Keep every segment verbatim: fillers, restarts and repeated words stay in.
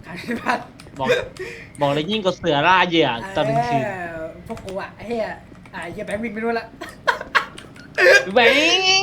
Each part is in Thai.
หายไปพันบอกบอกเลยยิ่งกว่าเสือล่าเหยื่อตอนกลางคืนเออพวกกูอ่ะไอ้เหี้ยอ่ะไอ้เหี้ยแบงค์วิ่งไปนู่นละแบงค์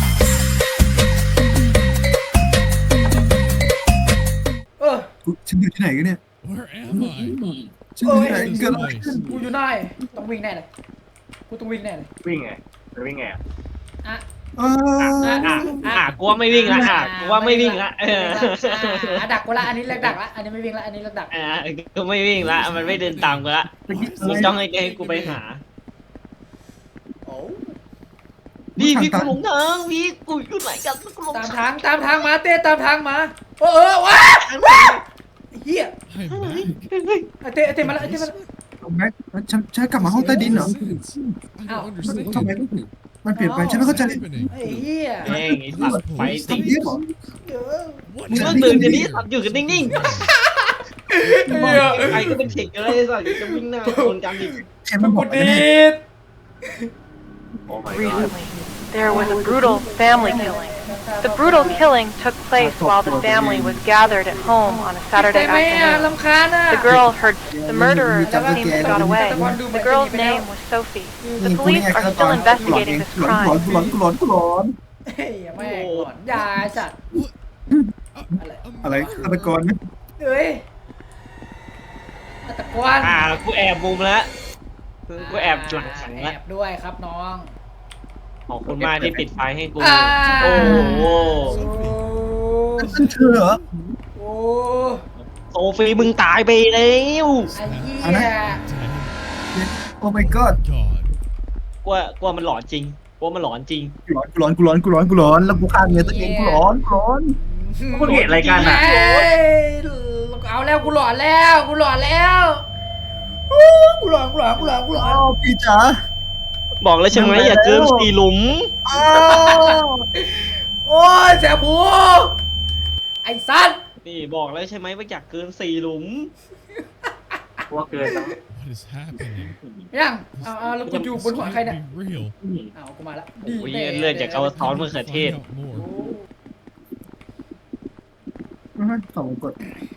เออกูฉันอยู่ที่ไหนกันเนี่ย Where am I? ฉันอยู่ที่ไหน What is เกิด this อะไรขึ้น place? กูอยู่ไหนต้องวิ่งแน่เลยกูต้องวิ่งแน่เลยวิ่งไงมันวิ่งไงอะอ่ะเอออ่ะอ่ะอ่ะกูว่าไม่วิ่งละอ่ะกูว่าไม่วิ่งละเอออ่ะดักกูละอันนี้เลิกดักละอันนี้ไม่วิ่งละอันนี้เลิกดักอ่ะกูไม่วิ่งละมันไม่เดินตามกูละมึงจ้องให้ให้กูไปหาโอ้พี่พี่กูหลงทางพี่กูอยู่ไหนกันกูหลงตามทางทางตามทางมาเต้ตามทางมาเออเออว้าไอ้เหี้ย I'm back. ไอ้เต้ไอ้เต้มาแล้วไอ้เต้มาแล้วแม็กฉันฉันกลับมาห้องใต้ดินเหรอ Sense. I Ow. don't understand. ทำไมมันเปลี่ยนไปฉันไม่เข้าใจ What's happening? ไอ้เหี้ยเองไอ้สัตว์ไฟติดทำเยี่ยมเหรอเยอะ What มึง is ต้องตื่นกันนี้สัตว์อยู่กันนิ่งๆเหี้ยไอ้ก็เป็นเด็กอะไรสัตว์จะวิ่งหน้าชนกันอีกเชนมันบกูอกดีนะดโอ้ my god Recently, there was a brutal family killing. The brutal killing took place while the family was gathered at home on a แต่ Saturday ไม่อ่ะ afternoon. ลำคาญอ่ะ The girl heard the murderer seemed to have got away. The girl's name was Sophie. นี่ The กูนี่ police ไง are ขั้นตอน still investigating this หลอน crime. หลอนกูหลอนกูหลอนเฮ้ยแม่งก่อนยาจัด อะไรอะไรฆาตกรไหมเอ้ยตะกวนอ่ากูแอบมุมแล้วกูแอบหลังขังแอแล้วบด้วยครับน้องขอบคุณมากที่ปิดไฟให้กูอ่าโอ้โหโอ้นั่นเธอเหรอโอ้โซฟีมึงตายไปแล้วไอ้เหี้เอานะยโอ้ my god God. กลัวกลัวมันหลอนจริงกลัวมันหลอนจริงกูหลอนกูหลอนกูหลอนกูหลอนแล้วกูฆ่าเมียตัวเองกูหลอนกูหลอนพวกเห็นอะไรกันอ่ะเอ้ยเอาแล้วกูหลอนแล้วกูหลอนแล้วอู้กูหลอนกูหลอนกูหลอนกูหลอนอ้าวพี่จ๋าบอกแล้วใช่ไหมอย่าเกินสี่หลุมอ้าวโอ้ยแสบหูไอ้สัตว์นี่บอกแล้วใช่ไหมว่าอยากเกินสี่หลุมว่าเกินแล้ว What is happening? ยังเอาเอาแล้วกูอยู่บน This หัวใคร can't เนี่ย be real. เอากูมาละโอ้ยเลือดจากกระท้อนมะเขือเทศ Find out more. สองกด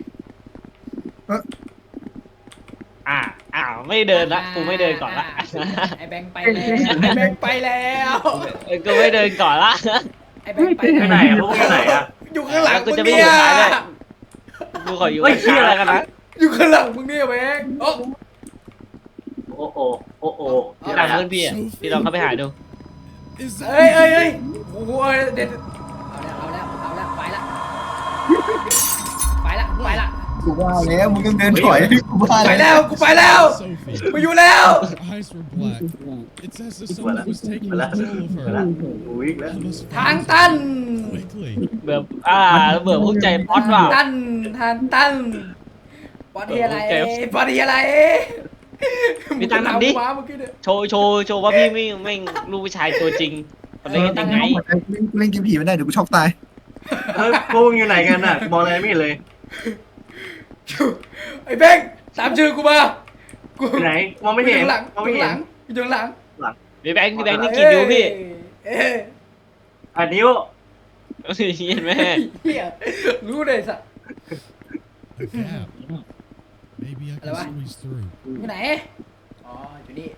อ่าอ่าไม่เดินละกูไม่เดินก่อนละไอ้แบงค์ไปแล้วไอ้แบงค์ไปแล้วเออกูไม่เดินก่อนละไอ้แบงค์ไปไปไหนอะพวกอยู่ไหนอะอยู่ข้างหลังกูมึงจะไม่เนี่อยู่ยท้ายด้วย กูขออยู่เฮ้ยข้างเหี้ยๆอะไรแล้วกันนะอยู่ข้างหลังมึงเนี่ยแบงค์โอ้โอ้โหโอ้โหที่หลังเพื่อนพี่อ่ะพี่ลองเข้าไปหาดู Is เอ้ย that เอ้ยเอ้ยโอ้โหเด็ดเอาแล้วเอาแล้วเอาแล้วไปละไปละไปละกูว่าแล้วมึงต้องเดินถอยกูว่าไปแล้วแล้วกูไปแล้ว Sophie? มาอยู่แล้ว Her eyes were black. It's as if someone was taking control of ไปแล้ว her. โอ้ยแล้ว I must ทาง find ตัน her quickly. เบื่ออ่าเบื่อพวกใจป๊อตว่ะตันทางตันบอดี้อะไรเจ็บบอดี้อะไรมีตังค์ทำดิว้าเมื่อกี้เนี่ยโชว์โชว์โชว์ว่าพี่ไม่ไม่ลูกผู้ชายตัวจริงมันเล่นกันยังไงเล่นเกมผีไม่ได้เดี๋ยวกูช็อกตายเฮ้ยพวกมึงอยู่ไหนกันอ่ะมองอะไรไม่เห็นเลยไอ้แบงค์ตามชื่อกูมากูอยู่ไหนมองไม่เห็นอยู่ข้างหลังมองอไม่ยู่เห็ข้างหนลังอยู่ข้างหลังพี่แบงค์พี่แบงค์นี่กี่นิ้วพี่เอ้ยอ่ะนิ้วเห็นไหมเหี้ยรู้เลยสัตว์ A gap. Maybe I Hello, can ah. squeeze through. อยู่ไหนอ๋ออยู่นี่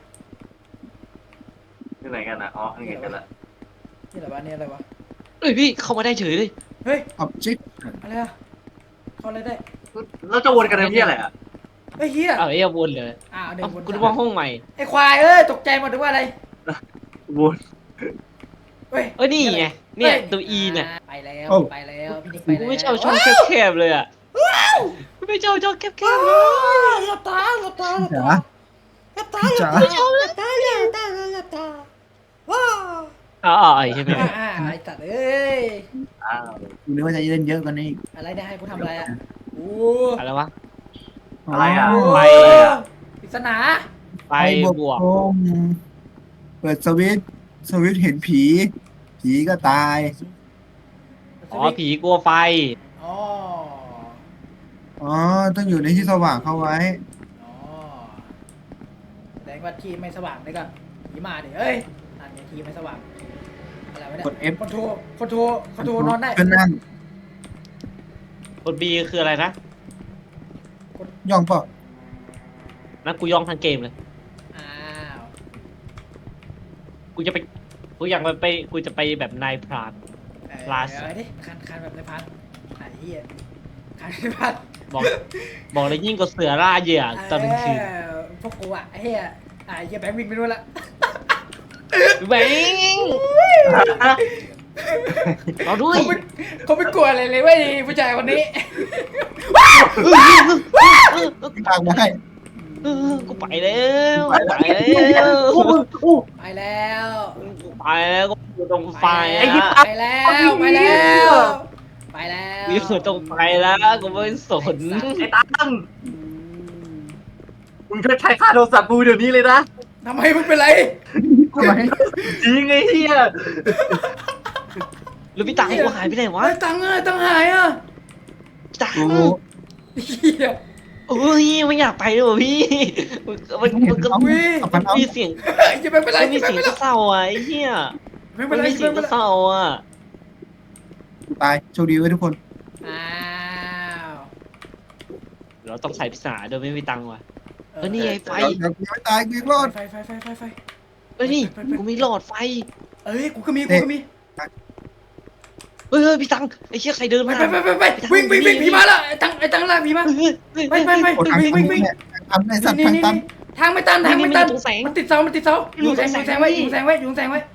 อยู่ไหนกันอ่ะอ๋อนี่กันละนี่อะไรวะนี่อะไรวะเอ้ยพี่เข้ามาได้เฉยเลยเฮ้ยออบเจกต์อะไรอะเข้าอะไรได้แล้วจะวนกันทำเพี้ยอะไรอ่ะเฮ้ยเฮียเอาไอ้ยวนเลยอ้าวเดิเอ้านบนกูนึกว่าห้องใหม่ไอ้ควายเอ้ยตกใจหมดถึงว่าอะไรวนเฮ้ยเอ้ยนี่ไงเนี่ยตัว E เนี่ยไปแล้วไปแล้วพี่นิกไปกูแล้วไม่ชอบช่องแคบๆเลยอ่ะกูไม่ชอบช่องแคบๆเลยหลับตาหลับตาหลับจ๋าตาหลับตาพี่จ๋าหลับตาหลับตาหลับตาหลับตาว้าวอ๋อไอ้ใช่ไหมอ่าอ่าไอ้ตัดเอ้ยอ้าวกูนึกว่าจะเล่นเยอะกว่านี้อะไรเนี่ยให้กูทำอะไรอ่ะโอ้อะไรวะอะไรอ่ะไปปริศนาไปบวกโมเปิดสวิตช์สวิตช์เห็นผี ผีก็ตายอ๋อผีกลัวไฟอ๋ออ๋อ ต้องอยู่ในที่สว่างเข้าไว้อ๋อแสดงว่าที่ไม่สว่างเลยก่อนผีมาดิเอ้ยนั่นไงที่ไม่สว่างอะไรวะเนี่ยกด F คอนโทรคอนโทรคอนโทรนอนได้ก็นั่งกด B คืออะไรนะย่องเปล่านะกูย่องทั้งเกมเลยอ้าวกูจะไปกูอยากไปไปกูจะไปแบบนายพรานเออลาสเอาดิคันคันแบบในพันไอ้เหี้ยคันในพันบอกบอกเลยยิ่งกว่าเสือล่าเหยื่อตอนกลางคืนเออพวกกูอ่ะไอ้เหี้ยไอ้เหี้ยแบงค์วิ่งไปนู่นละแบงเราด้วยเขาไม่เขาไม่กลัวอะไรเลยเว้ยผู้ชายคนนี้ทางมาให้เออกูไปแล้วกูไปแล้วอู้อู้ไปแล้วกูไปแล้วกูอยู่ตรงไฟไปอะแล้วไปแล้วไปแล้วกูอยู่ตรงไฟแล้วกูไม่สนไอ้ตังมึงช่วยใช้ค่าโทรศัพท์กูเดี๋ยวนี้เลยนะทำไมมึงเป็นไรทำไมจริงไอ้เหี้ยแล้วพี่ตังกูหายไปไหนวะไอ้ตังค์อะตังค์หายอ่ะพี่ตังกูเหี้ยเอ้ยไม่อยากไปเลยว่ะพี่มันมันมันก็อุ้ยเอาพันเอามีเสียงจะไม่เป็นไรมันมีจะเสียงไม่เป็นไรเศร้าอ่ะไอ้เหี้ยไม่มัเป็นนไรมีเสียงไม่เป็นไรเศร้าอ่ะตายโชคดีไว้ทุกคนอ้าวเราต้องใส่พิศาโดยไม่มีตังค์ว่ะเออนี่ไงไฟเดี๋ยวกูยังไม่ตายกูยังรอดไฟไฟไฟไฟไฟเอ้ยนี่กูมีหลอดไฟเอ้ยกูก็มีกูก็มีเฮ้ยเฮ้ยพี่ตังไอ้เชี่ยใครเดินไปมาไปไปไปไปวิ่งวิ่งวิ่งผีมาแล้วไอ้ตังไอ้ตังลากผีมาเฮ้ยเฮ้ยไปไปไปโอ้ทางวิ่งตัวิ่นงวิ่งเนี่ยทางตันไอ้สัตว์นี่ทางนี่ตันนี่ทางไม่ตันทางไม่ตันตรงแสงมันติดเสามันติดเสาอยู่แสงอยู่แสงไว้อยู่แสงไว้อยู่แสงไว้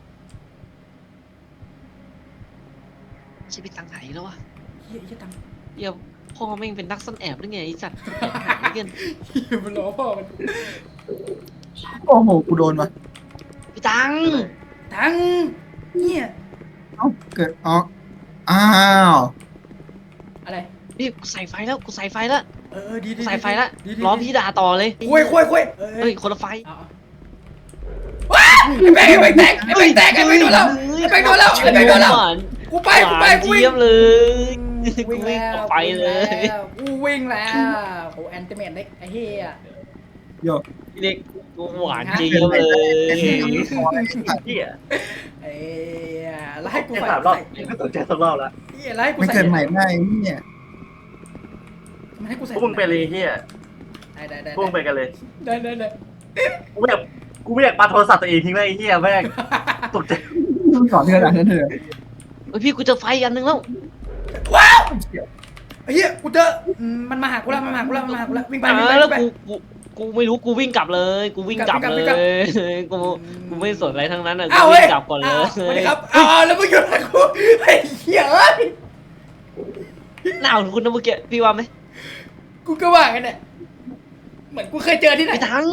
ใช่พี่ตังไหนแล้ววะเฮียเฮียตังเหี้ยพ่อแม่งเป็นนักซ่อนแอบหรือไงไอ้สัตว์แอบหายกันเฮียมันล้อพ่อมันโอ้โหกูโดนว่ะพี่ตังตังเนี่ยเอ้าเกิดอ๋ออ้าวอะไรนี่กูใส่ไฟแล้วกูใส่ไฟแล้วเออดีดีใส่ไฟแล้วดีดีล้อพี่ด่าต่อเลยคุยคุยคุยเอเฮ้อยคนละไฟเอาเอาว้าไอ้แบงค์ไอ้แบงค์แตกไอ้แบงค์แตกไอ้แบงค์โดนแล้วไอ้แบงค์โดนแล้วไอ้แบงค์โดนแล้วหวานกูไปกูไปหวานกูวิ่เจี๊ยงบเลยกูวิ่งวิ่งแล้วออกไปเลยกูวิ่งแล้วโอ้แอนติเมตเล็กไอ้เฮียโยพี่เด็กกูหวานเจี๊ยบเลยเหี้ยเอ้ยแล้วให้กูแค่ใส่สามรอบใส่ไม่สนใจสักรอบแล้วเฮียแล้วให้กูไม่ใส่เกิดใหม่ได้เนี่ยมันให้กูพใส่วกมึงไปเลยเหี้ยได้ได้ได้พวกมึงไปกันเลยได้ได้ได้กูไม่อยากกูไม่อยากปาโทรศัพท์ตัวเองทิ้งไว้ไอ้เหี้ยแม่งตกใจต้องสอนเธอหลังเธอเฮ้ยพี่กูเจอไฟอันนึงแล้วว้าวไอ้เหี้ยกูเจออืมมันมาหากูแล้วมันมาหากูแล้วมันมาหากูแล้ววิ่งไปวิ่งไปอ่าแล้ววิ่งไปกูกูกูไม่รู้กูวิ่งกลับเลย กูวิ่งกลับวิ่งเลกลับยกูกูไม่สนอะไรทั้งนั้นอ่ะกูอ้าววิ่เว้ยงกลับก่อนเลยาวสวัสดีครับอ้าวแล้วมึงอยู่ไหนกูไอ้เหี้ยเอ้ยหนาวคุณนะเมื่อกี้พี่ว่าไหมกูก็ว่ากันเนี่ยเหมือนกูเคยเจอที่ไหนไม่ทัง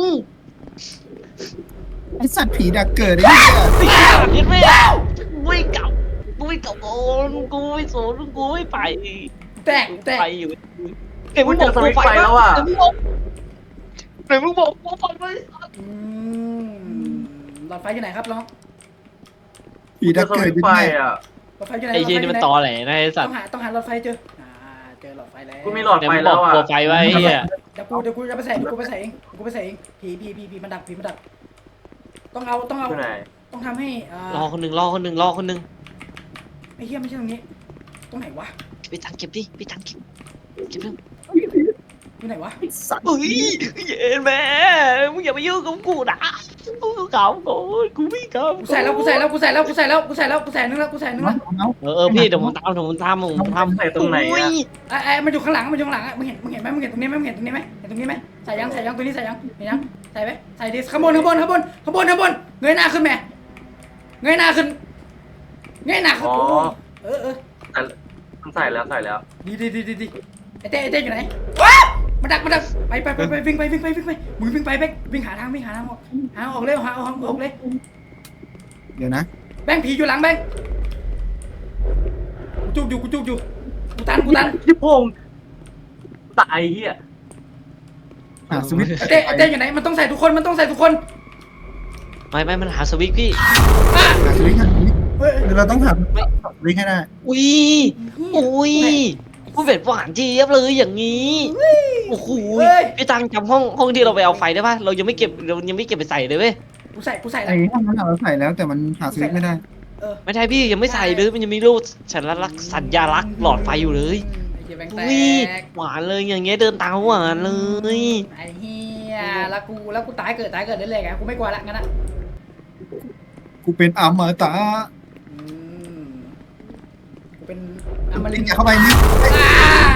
ไอสัตว์ผีดักเกิดไอ้เหี้ยติดยึดไม่กูไม่กลับกูไม่กลับก่อนกูไม่สนกูไม่ไปแตกแตกไปอยู่เอ็มมึงบอกกูไปแล้วอ่ะเอ็มมึงบอกกูไปไปอืมหลอดไฟอยู่ไหนครับน้องผีดักเกิดไฟอ่ะหลอดไฟอยู่ไหนไอ้เหี้ยนี่มันตอแหลนะไอ้สัต้ตองว์หาต้องหาหลอดไฟเจออ่าเจอหลอดไฟแล้วกูมีหลอดเดี๋ยวไฟมึงบแล้อกวอ่ะกลัวไฟไว้ไอ้เหี้ยเดี๋ยวกูเดี๋ยวกูจะไปใส่เดี๋ยวกูไปใส่เองกูไปใส่เองผีผีผีผีมันดักผีมันดักต้องเอาต้องเอาอยู่ไหนต้องทำให้อ่ารอคนหนึ่งรอคนหนึ่งรอคนหนึ่งไอ้เหี้ยไม่ใช่ตรงนี้ตรงไหนวะไปตังเก็บดิไปตังเก็บเก็บเรื่องอยู่ไหนวะสัตว์เฮ้ยเย็นแม่มึงอย่ามายุ่งกับกูนะกูเก่ากูกูไม่เก่ากูใส่แล้วกูใส่แล้วกูใส่แล้วกูใส่แล้วกูใส่แล้วกูใส่นึงแล้วกูใส่นึงเอาแล้วเอาเออเออพี่เดี๋ยวผมตามเดี๋ยวผมตามผมทำใส่ตรงไหนอ่ะไอ้ไอ้มันอยู่ข้างหลังมันอยู่ข้างหลังอ่ะมึงเห็นมึงเห็นไหมมึงเห็นตรงนี้ไหมมึงเห็นตรงนี้ไหมเห็นตรงนี้ไหมใส่ยังใส่ยังตัวนี้ใส่ยังเห็นยังใส่ไหมใส่ดิข้างบนข้างบนข้างบนข้างบนข้างบนเงยหน้าขึ้นแม่เงยหน้าขึ้นเงยหน้าขึ้นอ๋อเออเออแต่มันใส่แล้วใส่แล้วดีดีดีดีดีไอ้เต้ไอ้เต้อยู่ไหนว้าวมาดักมาดักไปไปไปไปวิ่งไปวิ่งไปวิ่งไปมึงวิ่งไปแบงวิ่งหาทางวิ่งหาทางออกหาออกเลยหาออกออกเลยเดี๋ยวนะแบงผีอยู่หลังแบงกูจุกอยู่กูจุกอยู่กูตันกูตันที่พงตายเหี้ยหาสวิตช์ไอ้เต้ไอ้เต้อยู่ไหนมันต้องใส่ทุกคนมันต้องใส่ทุกคนไม่ไม่มันหาสวิตช์พี่อ่ะหาสวิตช์หาสวิตช์เฮ้ยเดี๋ยวเราต้องหาสวิตช์ให้ได้อุ้ยอุ้ยกูเป็นหวานเจี๊ยบเลยอย่างนี้โอ้โหพี่ตังจำห้องห้องที่เราไปเอาไฟได้ป่ะเรายังไม่เก็บเรายังไม่เก็บไปใส่เลยเว้ยกูใส่กูใส่อะไรไอ้ห้องนั้นเราใส่แล้วแต่มันหาสวิตช์ไม่ได้เออไม่ใช่พี่ยังไม่ใส่เลยมันยังมีรูปสัญลักษณ์สัญญาลักษณ์หลอดไฟอยู่เลยไอ้เฮียแบงค์แตอุ้ยกหวานเลยอย่างเงี้ยเดินตามหวานเลยไอ้เฮียแล้วกูแล้วกูตายเกิดตายเกิดได้เลยไงกูไม่กลัวละงั้นอะกูเป็นอมตะอืมกูเป็นอมริลินงทอย่าร์เข้าไปนี่อ่า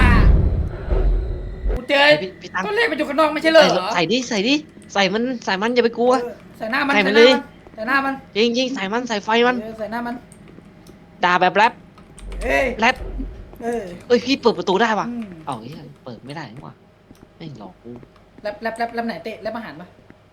กูเจอพี่พี่ตั้งต้นเลขมันอยู่ข้างนอกไม่ใช่เหรอใส่ดิใส่ดิใส่มันใส่มันอย่าไปกลัวเออใส่หน้ามันใส่ใส่มันหน้าเลยมันใส่หน้ามันจริงจริงใส่มันใส่ไฟมันเออใส่หน้ามันด่าแบบแรปเอ้ยแรปเออเอ้ยพี่เปิดประตูได้ปะอืมเอ้าเฮ้ยเปิดไม่ได้นี่หว่าไม่งหลอกกูแรปแรปแรปแรปไหนเตะแรปอาหารปะ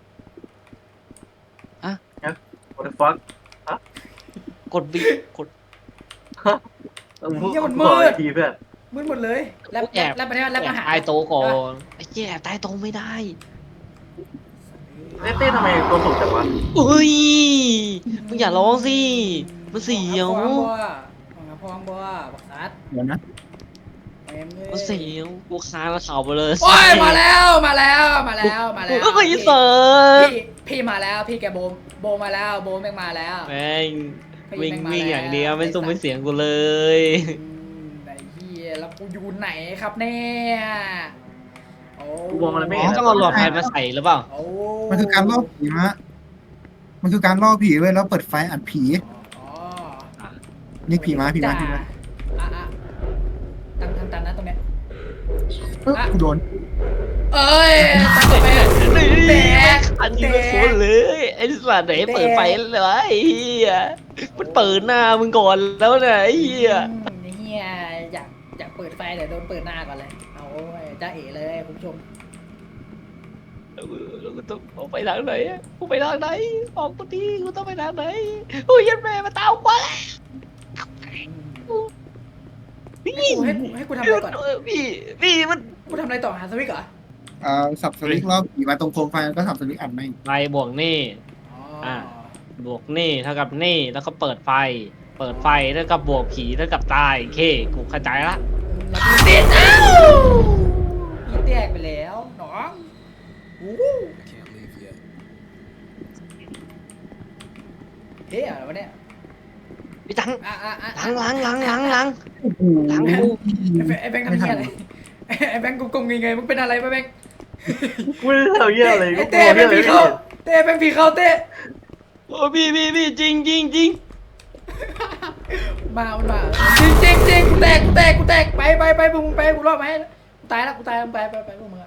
what the fuck กดบีกดต้องพูดขออีกทีเพื่อนมืดหมดเลยแรปแอบแรปแรปอะไรวะแรปแอบอาหารใต้โต๊ะก่อนไอ้เหี้ยแอบใต้โต๊ะไม่ได้เต้เต้ทำไมตัวสูงจังวะอุ้ยมึงอย่าร้องสิมันเสียวพองบัวพองบัวบักซัดเดี๋ยวนะเอ็มเลยมันเสียวกูคานแล้วเข่าไปเลยโอ้ยมาแล้วมาแล้วมาแล้วมาแล้วก็ไม่เสิพี่ร์ฟพี่พี่มาแล้วพี่แกโบมโบมาแล้วโบมแม่งมาแล้วแม่งพี่วิ่งแม่มาวิ่งแล้วอย่างเดียวไม่ส่งไม่เสียงกูเลยอืมไอ้เหี้ยแล้วกูอยู่ไหนครับเนี่ยโอ้กูมองอะไรไม่อ๋เห็อน ต้องเอาหลอดไฟมาใส่หรือเปล่าโอ้มันคือการล่อผีมะมันคือการล่อผีเว้ยแล้วเปิดไฟอัดผีอ๋อนี่ผีมาผีมาผีมาอ่ะอ่ะตั้งตั้งตั้งนะตรงเนี้ยเอ้ยกูโดนเอ้ยตั้งไป แตกอันนี้มันโคตรเลยไอ้สัตว์ไหนเปิดไฟเลยวะไอ้เหี้ยมันเปิดหน้ามึงก่อนแล้วนะไอ้เหี้ยอืมไอ้เฮียอยากอยากเปิดไฟเดี๋ยวโดนเปิดหน้าก่อนเลยเอาจ้าเอ๋เลยคุณผู้ชมเราก็ต้องออกไปทางไหนอะกูไปทางไหนออกกูทีกูต้องไปทางไหนโอ้ยยันแม่มาตามกูแล้วพี่ให้กูให้กูให้กูทำอะไรก่อนพี่พี่มันกูทำอะไรต่อหาสวิกเหรอเอ่อสับสวิกล่อผีมาตรงโคมไฟแล้วก็สับสวิกอัดไม่ไฟบวกนี่อ๋ออ่ะ บวกนี่เท่ากับนี่แล้วก็เปิดไฟ เปิดไฟเท่ากับบวกผีเท่ากับตายโอเคกูเข้าใจละแล้วกูติดเอ้าอีแตกไปแล้วหนองอู้ Can't leave yet. เฮ้ยอะไรวะเนี่ยพี่ตังอ่ะอ่ะอ่ะล้างล้างล้างล้างล้างโอ้โหล้างกูไอ้แบงค์ไอ้แบงค์ทำเหี้ยอะไรไอ้แบงค์กูกงเงยๆมึงเป็นอะไรวะแบงค์กูไม่ได้ทำเหี้ยอะไรไอ้กูเต้กลัวเป็นเหี้ยผีอะไรเข้าเต้เป็นผีเข้าเต้โอ้พี่พี่พี่จริงจริงจริงมามันมาจริงจริงจริงกูแตกกูแตกกูแตกไปไปไปพวกมึงไปกูรอดไหมกูตายแล้วกูตายแล้วไปไปไปพวกมึงอะ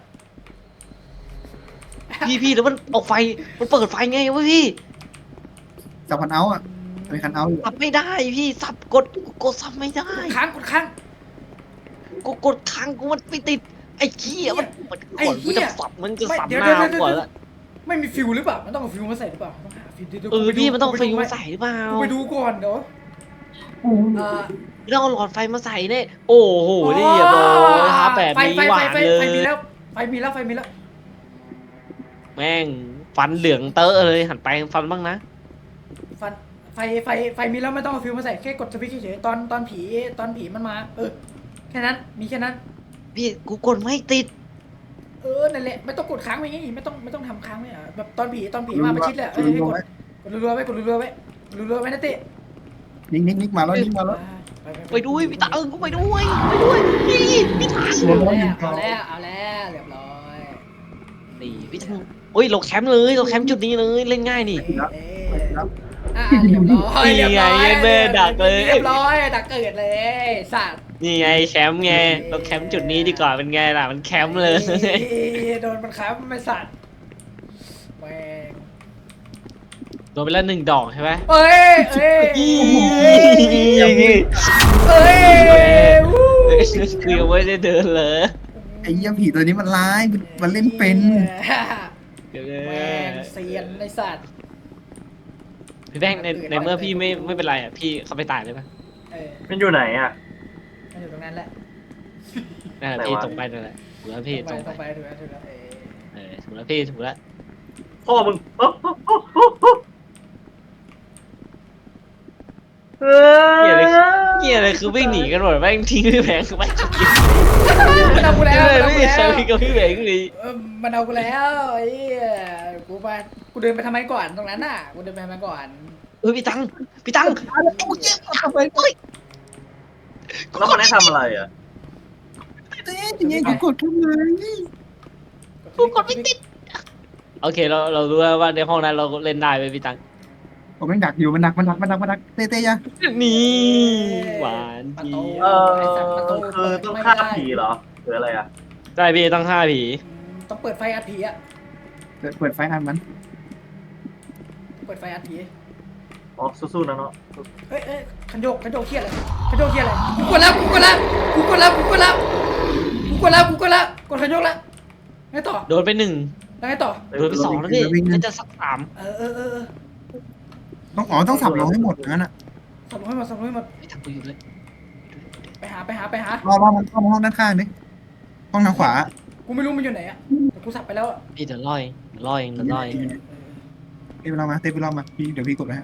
พี่พี่แล้วมันออกไฟมันเปิดไฟไงวะพี่สับคันเอาท์อ่ะมีคันเอาท์อยู่สับไม่ได้พี่สับกดกดสับไม่ได้กดค้างกดค้างกูกดค้างกูมันไม่ติดไอ้เหี้ยมันมันไอ้ก่อนเหี้กูยจะสับมันจะสับเดี๋ยวหน้าเดี๋ยวเดี๋ยวก่อนละไม่มีฟิวหรือเปล่ามันต้องเอาฟิวมาใส่หรือเปล่าต้องหาฟิวเดี๋ยวเออกูไปดูพี่มันต้องกูไฟไปดูมาใส่หรือเปล่ากูไปดูก่อนเดี๋ยวเอ่อไม่ต้องเอาหลอดไฟมาใส่เนี่ยโอ้โหนี่เรียบร้อยครับแบบไฟนี้ไฟหไฟวานไฟเลไฟมียแล้วไฟมีแล้วไฟมีแล้วแม่งฟันเหลืองเตอะเลยหันไปฟันบ้างนะฟันไฟไฟไฟมีแล้วไม่ต้องเอาฟิวมาใส่แค่กดสวิตช์เฉยๆตอนตอนผีตอนผีมันมาเออแค่นั้นมีแค่นั้นพี่กูกดไม่ติดเออนั่นแหละไม่ต้องกดค้างไว้ไงไม่ต้องไม่ต้องทำค้างไว้อะแบบตอนผีตอนผีมาประชิดเลยอะเออให้กดกดรัวๆไว้กดรัวๆไว้กดรัวๆไว้นะเต้นิกนิกนิกมาแล้วนิกมาแล้วไปด้วยพี่ตาเอิงกูไปด้วยไปด้วยพี่พี่ตาเอาแล้วเอาแล้วเอาแล้วเรียบร้อยนี่พี่ตังโอ้ยเราแคมป์เลยเราแคมป์จุดนี้เลยเล่นง่ายนี่เอ๊ะอ่ะเรียบร้อยเรียบร้อยนี่ไงแม่ดักเลยเรียบร้อยดักเกิดเลยสัตว์นี่ไงแคมป์ไงเราแคมป์จุดนี้ดีกว่าเป็นไงล่ะมันแคมป์เลยโดนมันครับไม่สัตว์แม่งโดนไปแล้วหนึ่งดอกใช่ไหมเอ้ยเอ้ยเอ้ยวู้คือยังไม่ได้เดินเลยไอ้เหี้ยผีตัวนี้มันร้ายมันมันเล่นเป็นเดี๋ยวแม่งเซียนไอสัตว์พี่แบงค์ในในเมื่อพี่ไม่ไม่เป็นไรอ่ะพี่เข้าไปตายเลยปะเออมันอยู่ไหนอ่ะมันอยู่ตรงนั้นแหละนั่นแหละพี่ตรงไปนั่นแหละถูกแล้วพี่ตรงตไปรงไปถูกแล้วถูกแล้วเออเออถูกแล้วพี่ถูกแล้วพ่อมึงโอ้โหโอ้โหโอ้โหเออเหี้ยอะไรเหี้ยอะไรคือวิ่งหนีกันหมดแม่งทิ้งพี่แบงค์ไปจุดเดียวมันเอากูแล้วมันเอากูไม่แล้ใช่วพี่กับพี่แบงค์เลยเออมันเอากูแล้วไอ้เหี้ยกูไปกูเดินไปทำไมก่อนตรงนั้นน่ะกูเดินไปทำไมก่อนเออพี่ตังพี่ตังทำไมเฮ้ยแล้วมันให้ทำอะไรอ่ะเต้ยังไงกูกดทำไมกูกดไม่ติดโอเคเราเรารู้แล้วว่าในห้องนั้นเราเล่นได้ไหมพี่ตังผมแม่งดักอยู่มันดักมันดักมันดักมันดักเต้เต้ยังนี่หวานประจีตูเออไอ้สัตว์ประตูคือเปิดต้องไม่ฆ่าได้ผีเหรอหรืออะไรอ่ะใช่พี่ต้องฆ่าผีต้องเปิดไฟอัดผีอะเปิดเปิดไฟอันมันเปิดไฟอัดผีอ๋อสู้ๆนะเนาะเฮ้ยเอ้ยขันโยกขันโยกเครียดเลยขันโยกเครียดเลยกูกดแล้วกูกดแล้วกูกดแล้วกูกดแล้วกูกดแล้วกูกดแล้วกดขันโยกแล้วไงต่อโดนไปหนึ่งแล้วไงต่อโดนไปสองแล้วพี่น่าจะสักสามเออเออเออเออต้องอ๋อต้องสับลงให้หมดงั้นอ่ะสรุปให้หมดสรุปให้หมดไม่ทำกูอยู่เลยไปหาไปหาไปหารอรอมันเข้ามาห้องด้านข้างดิห้องทางขวากูไม่รู้มันอยู่ไหนอะแต่กูสับไปแล้วอะพี่เดี๋ยวล่อยเดี๋ยวล่อยเดี๋ยวล่อยเต้ไปลองมาเต้ไปลองมาพี่เดี๋ยวพี่กดไปฮะ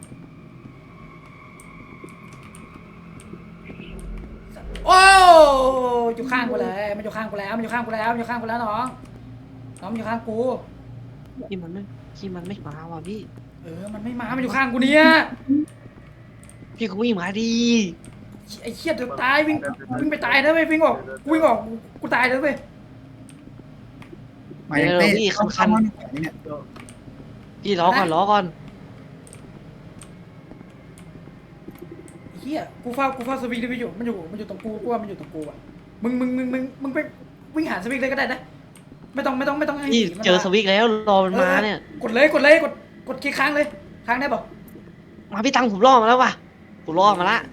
โอ้อยู่ข้างกูเลยมันอยู่ข้างกูแล้วมันอยู่ข้างกูแล้วมันอยู่ข้างกูแล้วน้องน้องมันอยู่ข้างกูที่มันไม่ที่มันไม่มาว่ะพี่เออมันไม่มามันอยู่ข้างกูเนี่ยพี่ก็วิ่งมาดีไอ้เชี่ยเดี๋ยวตายวิ่งวิ่งไปตายนะเว้ยวิ่งออกกูวิ่งออกกูกูตายแล้วเว้ยมายังเต้เข้าเข้าห้องขวาเนี่ยพี่ล้อก่อนล้อก่อนเฮียกูเฝ้ากูเฝ้าสวิงได้ไปอยู่มันอยู่มันอยู่ตรงกูกูว่ามันอยู่ตรงกูอ่ะมึงมึงมึงมึงมึงไปวิ่งหาสวิงเลยก็ได้นะไม่ต้องไม่ต้องไม่ต้องให้พี่ผีมันเจอมาสวิกแล้วรอมันมาเนี่ยกดเลยกดเลยกดกดคลิกค้างเลยค้างได้ป่ะมาพี่ตังผมล่อมาแล้วว่ะผมล่อมาละ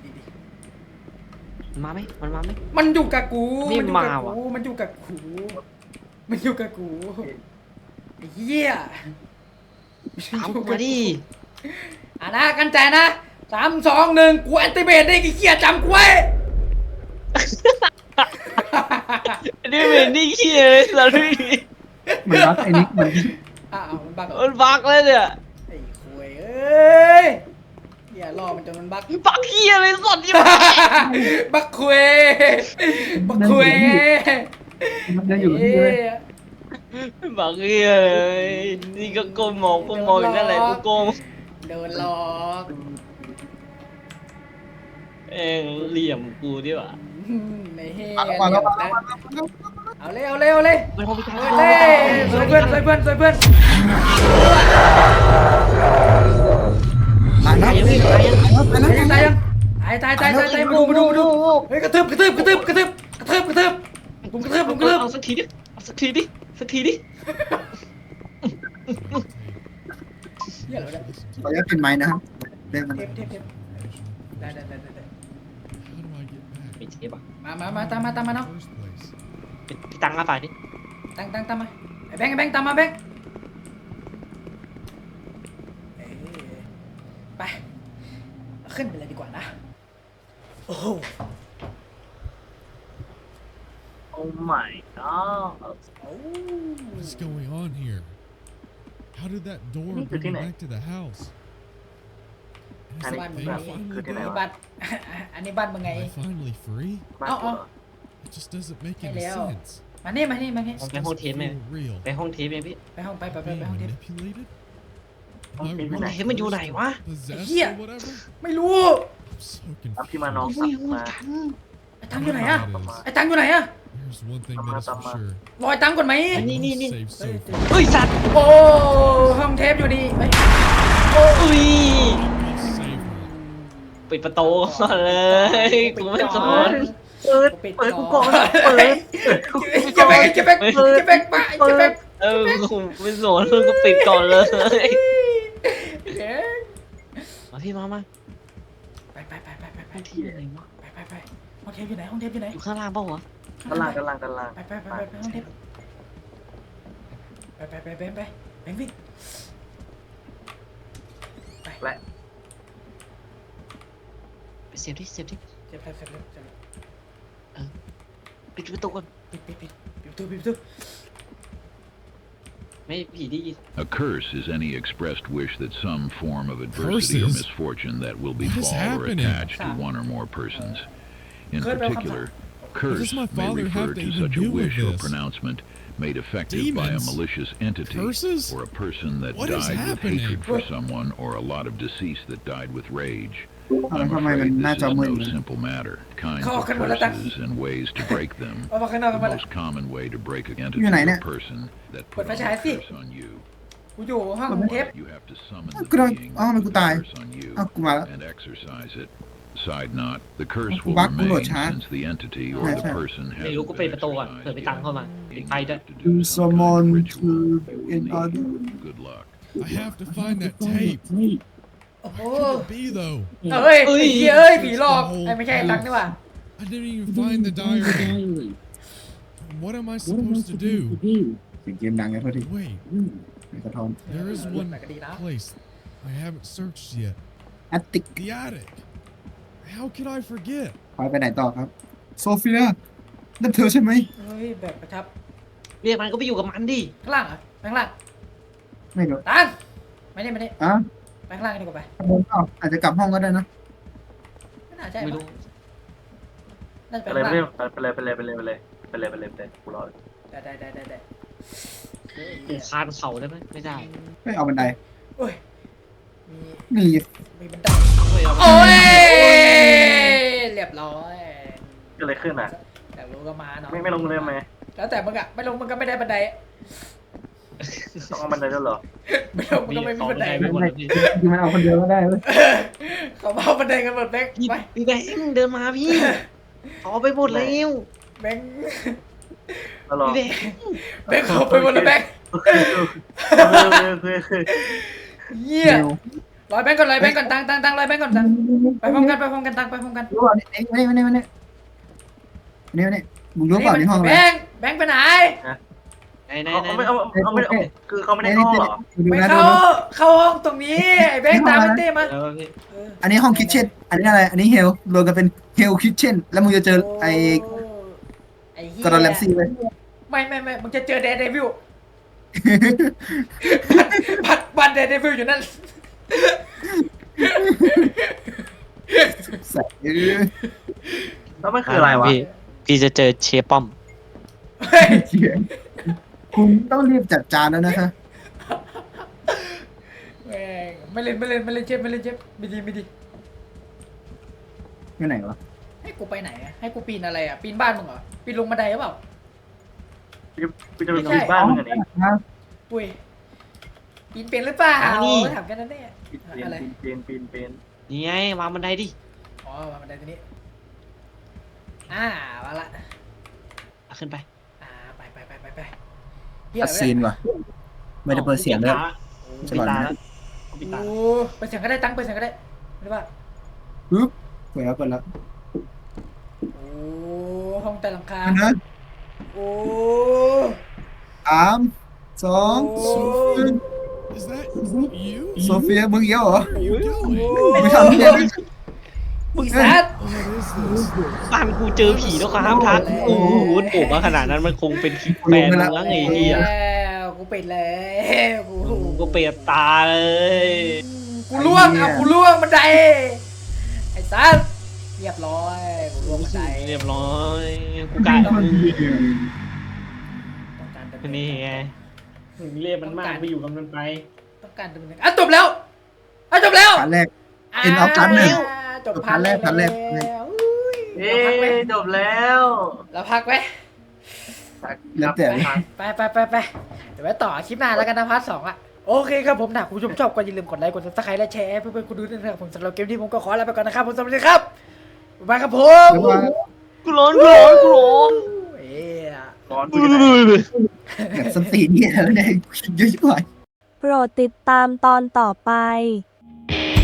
มันมาไหมมันมาไหมมันอยู่กับกูนี่อยู่กับมาว่ะกูมันอยู่กับกูมันอยู่กับกูไอ้เหี้ยตามกูมาดิอ่ะนะกันใจนะสามสองหนึ่งกูแอนติเบตได้กี่เหี้ยจำกูไว้นี่เป็นนี่ขี้เลยสัตว์พี่เหมือนรักไอ้นิกมันอ้าวมันบักเหรอมันบักเลยเนี่ยไอ้คุยเอ้ยเหี้ยรอมันจนมันบักบักขี้เลยสัตว์ที่มันบักคุยบักคุยมันจะอยู่ที่เลยบักขี้เลยนี่ก็ก้มมองก้มมองอยู่นั่นแหละกูโกงโดนหลอกเองเหลี่ยมกูดิว่ะอืมในเฮมาแล้วมาแล้วมาแล้วเอาเลยเอาเลยเอาเลยไม่พอพี่ตังเอาเลยสวยเพื่อนสวยเพื่อนสวยเพื่อนตายแล้วยังไม่ตายยังตายแล้วตายยังตายตายตายตายตายมาดูมาดูมาดูเฮ้ยกระทืบกระทืบกระทืบกระทืบกระทืบกระทืบผมกระทืบผมกระทืบเอาสักทีดิเอาสักทีดิสักทีดิเหี้ยเหรอเนี่ยขออนุญาตเป็นไม้นะครับเรื่องมันเทปเทปเทปได้ได้ได้ได้ How do I get back? ไม่เจ็บอ่ะมามามาตามมาตามมา In เนาะ the first place. พี่ตังมาฝ่ายดิตั้งตั้งตามมาไอ้แบงค์ไอ้แบงค์ตามมาแบงค์เอ้ยไปขึ้นไปเลยดีกว่านะโอ้โหโอ้ my god โอ้ What's going on here? How did that door Need to bring me connect. back to the house? Is I that need thing to finally connect. นี่ gone? บัตร อันนี้บัตรมึงไง Am I finally free? มากเอากว่าเอา It just doesn't make Hey, any Leo. sense. มานี่มานี่มานี่ผมไปห้องเทปไหม Feel real. ไปห้องเทปไหมพี่ไปห้องไปไปไป Being ไปห้องเทป manipulated? Am I Okay, really ห้องเทปมันอยู่ไหนวะ possessed Yeah. or whatever? ไม่รู้ I'm so ครับที่มา confused. น้องผมสัไม่บรู้เหมือมานกันไอ้ตังค์อยู่ไหนอะ Whatever it is, ไอ้ตังค์อยู่ไหนอะ There's one thing that is for sure. รอยตังค์ก่อนไหมอันนี้นี่นี่ Safe เฮ้ย so far. เฮ้ยสัตว์โอ้ห้องเทปอยู่ดีเฮ้ยอุ้ย I'll save her. ปิดประตูก่อนเลย กูไม่สนเปิดปิดเปิดกูก่ก่ออน นเปิดเจะแบกเจะแบกเจะแบกปะเจะแบกเออกูไม่สนกูปิดก่อนเลยเอ๊ะมาพี่มามาไปไปไปไปไปไปห้องที่ไหนวะไปไปไปห้องเทปอยู่ไหนห้องเทปอยู่ไหนอยู่ข้างล่างเปล่าวะกันล่างกันล่างกันล่างไปไปไปไปไปห้องเทปไปไปไปไปไปแบงค์วิ่งไปและไปเสียบดิเสียบดิเจ็บเจ็บเจ็บเจ็บเจ็บปิดประตูก่อนปิดปิดปิดปิดประตูปิดประตูไม่ผีได้ยิน A curse is any expressed wish that some form of adversity or Curses? misfortune that will What is befall or happening? attach to one or more persons. In Curse will come particular, What curse does my may father refer have to to even such a do with wish or this? pronouncement made effective by a Demons? malicious entity Curses? or a person that What is died with happening? hatred for someone or a lot of deceased that died with rage. เอาแล้ว I'm ทำไมมัน afraid หน้า this จอ is มืด no simple matter. Kinds Kau of akan meletak. curses and ways to break them. เอามาข้างนอกกัน The มาละ most common way to break an entity Yun na, or ina. person that Pada put on a siya, si. curse on you. กูอยู่ห้องเทป You have to summon Ah, the kena- being ah, that may put the kutay. curse on you อ้าวกูมาแล้ว and exercise it. Side note, the curse Ah, will bak- remain kulot, ha? since the entity or Ah, the siya. person ไม่รู้ hasn't กูปิด been ประตูก่อนเผื่อ exercised ไปตัง yet. เข้ามา Being ไปด้วย able to Do do some kind of summon ritual, to you will in need other- good luck. I have to find that tape. โอ้โห Could it be though? เอ้ยเอ้ยไอ้เหี้ยเอ้ยผีหลอกไอ้ไม่ใช่ตังค์นี่หว่า I didn't even find the diary. What am I supposed to do? เสียงเกมดังไงพอดี Wait, ในกระท่อม there is one แต่ก็ดีนะ place I haven't searched yet. แอตติก The attic. How could I forget? พายไปไหนต่อครับ โซเฟียนั่นเธอใช่ไหมเฮ้ยแบบประทับเรียกมันก็ไปอยู่กับมันดิข้างล่างเหรอไปข้างล่างไม่รู้ตังค์ไม่ได้ไม่ได้อ่ะไปข้างล่างกันดีกว่าไปข้างบนเปล่าอาจจะกลับห้องก็ได้นะไม่น่าใช่ไม่รู้น่าจะไปไปเลยข้างไปล่างเลยไปเลยไปเลยไปเลยไปเลยไปเลยไปเลยกูรอได้ได้ได้ได้ได้กูคานเข่าได้ไหมไม่ได้ไม่เอาบันไดโอ้ยมีนี่มีบันไดไม่เอาโอ้ยเรียบร้อยเกิดอะไรขึ้นอ่ะอยากรู้ก็มาเนาะไม่ไม่ลงเลยไหมแล้วแต่มึงอะไม่ลงมึงก็ไม่ได้บันไดต้องเอาบันไดด้วยเหรอไม่ลงมึงก็ไม่มีบันไดไปหมดเลยพี่คือมันเอาคนเดียวก็ได้เว้ยเขาเอาบันไดกันหมดแบงค์พี่ไปพี่แบงค์เดินมาพี่เอาไปหมดแล้วแบงค์แล้วเหรอพี่แบงค์แบงค์เขาไปหมดแล้วแบงค์คือคือเยี่ยร้อยแบงค์ก่อนร้อยแบงค์ก่อนตังตังตังร้อยแบงค์ก่อนตังไปพร้อมกันไปพร้อมกันตังไปพร้อมกันรู้เปล่าเนี่ยไม่ไม่ไม่ไม่ไม่ไม่มึงรู้เปล่าในห้องอะแบไรงค์แบงค์ไปไหนไหนไหนเขาไหนไม่เอาเขาไม่เอาคือเขาไม่ได้เข้าเหรอดูไม่นะเข้าดูนะเข้าห้องตรงนี้ไอ้แบงค์ตามไปเต้มาแล้วพี่เอออันนี้ห้องคิทเช่นอันนี้อะไร อันนี้เฮลรวมกันเป็นเฮลคิทเช่นแล้วมึงจะเจอไอ้ไอ้เหี้ยกอร์ดอนแลมซี่เลยไม่ไม่ไม่มึงจะเจอแดนเดวิลบัตรบัตรแดนเดวิลอยู่นั่นใส่เออแล้วมันคืออะไรวะพี่พี่จะเจอเชฟป้อมเฮ้ยเหี้ยคุณต้องรีบจัดจานแล้วนะคะแม่งไม่เล่นไม่เล่นไม่เล่นเจ็บไม่เล่นเจ็บไม่ดีไม่ดีไปไหนวะให้กูไปไหนอะให้กูปีนอะไรอ่ะปีนบ้านมึงเหรอปีนลงบันไดหรือเปล่ากูจะไปดูบ้านมึงอันนี้อุ้ยปีนเป็นหรือเปล่าอ๋อนี่ถามกันนั่นแน่ปีนอะไรปีนปีนปีนนี่ไงวางบันไดดิอ๋อวางบันไดตัวนี้อ่ามาละเอาขึ้นไปอ่าไปไปไปไปไปอัดซีนว่ะไม่ได้เปิดเสียงเลยปิดตาแล้วปิดตาโอ้เปิดเสียงก็ได้ตั้งเปิดเสียงก็ได้หรือว่าปึ๊บเปิดแล้วเปิดแล้วโอ้ห้องแต่หลังคาอันนั้นโอ้สามสองโอ้ Is that you? โซเฟียมึงเยอะเหรอ What are you doing? มึงทำเหี้ยมึงซัด What is this? บ้านกูเจอผีแล้วครับทักโอ้โหโผล่มาขนาดนั้นมันคงเป็นคลิปแฟนมึงแล้วไงเฮียแล้วกูปิดแล้วกูกูก็เปรียบตาเลยกูล่วงเอากูล่วงบันไดไอ้ซัดเรียบร้อยกูล่วงบันไดเรียบร้อยกูกลายต้องการดำเนินนี่ไงมึงเรียกมันมากไปอยู่กับมันไปต้องการดำเนินอ่ะจบแล้วอ่ะจบแล้วพาร์ทแรก End of part หนึ่งอ่าจบพาร์ทแรกพาร์ทแรกแล้วอุ้ยเอ๊เราพักไหมจบแล้วเราพักไหมแล้วแต่ไปไปไปไปเดี๋ยวไว้ต่อคลิปหน้าแล้วกันนะพาร์ทสองอ่ะโอเคครับผมถ้าคุณผู้ชมชอบก็อย่าลืมกดไลค์กดซับสไครต์และแชร์ให้เพื่อนๆคุณดูด้วยนะครับผมสำหรับเกมนี้ผมก็ขอลาไปก่อนนะครับผมสวัสดีครับบ๊ายบายครับผมเดี๋ยวว่ากูร้อนกูร้อนกูร้อนเอ๊ะก่อนกูจะไหนแบบสตีนเนี่ยแล้วเนี่ยเยอะชิบหายโปรดติดตามตอนต่อไป